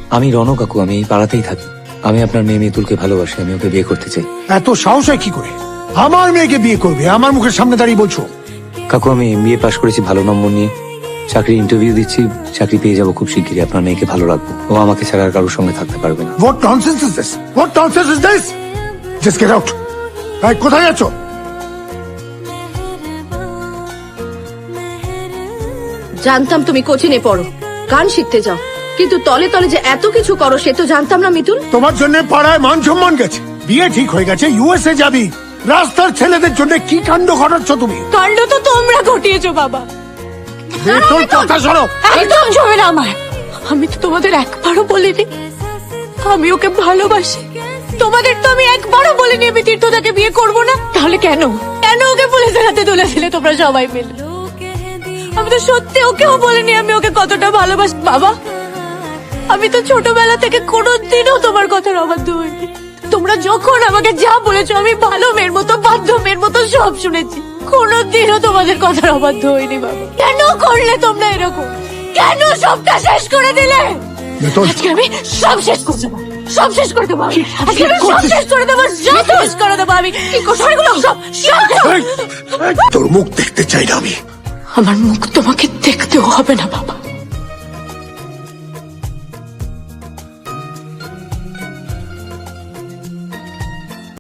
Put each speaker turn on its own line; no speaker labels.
আমি রণ কাকু, আমি এই পাড়াতেই থাকি। আমি আপনার মেয়ে মিতুলকে ভালোবাসি, আমি ওকে বিয়ে করতে চাই।
এত সাহস হয় কি করে আমার মেয়েকে বিয়ে করবে? আমার মুখের সামনে দাঁড়িয়ে বলছো?
কাকু, আমি MBA পাশ করেছি ভালো নম্বর নিয়ে, চাকরি ইন্টারভিউ দিচ্ছি, চাকরি পেয়ে যাবো খুব শিগগিরই। আপনার মেয়েকে ভালো রাখবো, ও আমাকে ছাড়া আর কারোর সঙ্গে থাকতে পারবে না।
What nonsense is this? What nonsense is this? Just get out. এই, কোথায় যাচ্ছ?
জানতাম তুমি কোচিনে পড়ো, গান শিখতে যাও, কিন্তু তলে তলে যে এত কিছু করো সে তো জানতাম না মিতুল।
তোমার জন্য পাড়ায় মান সম্মান গেছে, বিয়ে ঠিক হয়ে গেছে, USA যাবি। রাস্তার ছেলেদের জন্য কি কাণ্ড ঘটাচ্ছ তুমি?
কাণ্ড তো তোমরা ঘটিয়েছো বাবা।
তোর কথা শোনো।
একদম ছবে না আমার। আমি তো তোমাদের একবারও বলিনি আমি ওকে ভালোবাসি। তোমাদের তো আমি একবারও বলিনি আমি তীর্থদাকে বিয়ে করব না। তাহলে কেন কেন ওকে পুলিশের হাতে তুলে দিলে তোমরা সবাই মিলে? আমি তো সত্যি ওকেও বলিনি আমি ওকে কতটা ভালোবাসি। বাবা, আমি তো ছোটবেলা থেকে কোনোদিনও তোমার কথার অবাধ্য হইনি। তোমরা যখন আমাকে যা বলেছো আমি ভালো মেয়ের মতো বাধ্য মেয়ের মতো সব শুনেছি, কোনোদিনও তোমাদের কথার অবাধ্য হইনি। বাবা, কেন করলে তোমরা এরকম? কেন সবটা শেষ করে দিলে? আজকে আমি সব শেষ করে দেবো, সব শেষ করে দেবো। আজকে আমি সব শেষ করে দেবো, সব শেষ করে দেবো। আমি কি করবো এগুলো সব?
তোর মুখ দেখতে চাই না আমি।
আমার মুখ তোমাকে দেখতেও হবে না বাবা।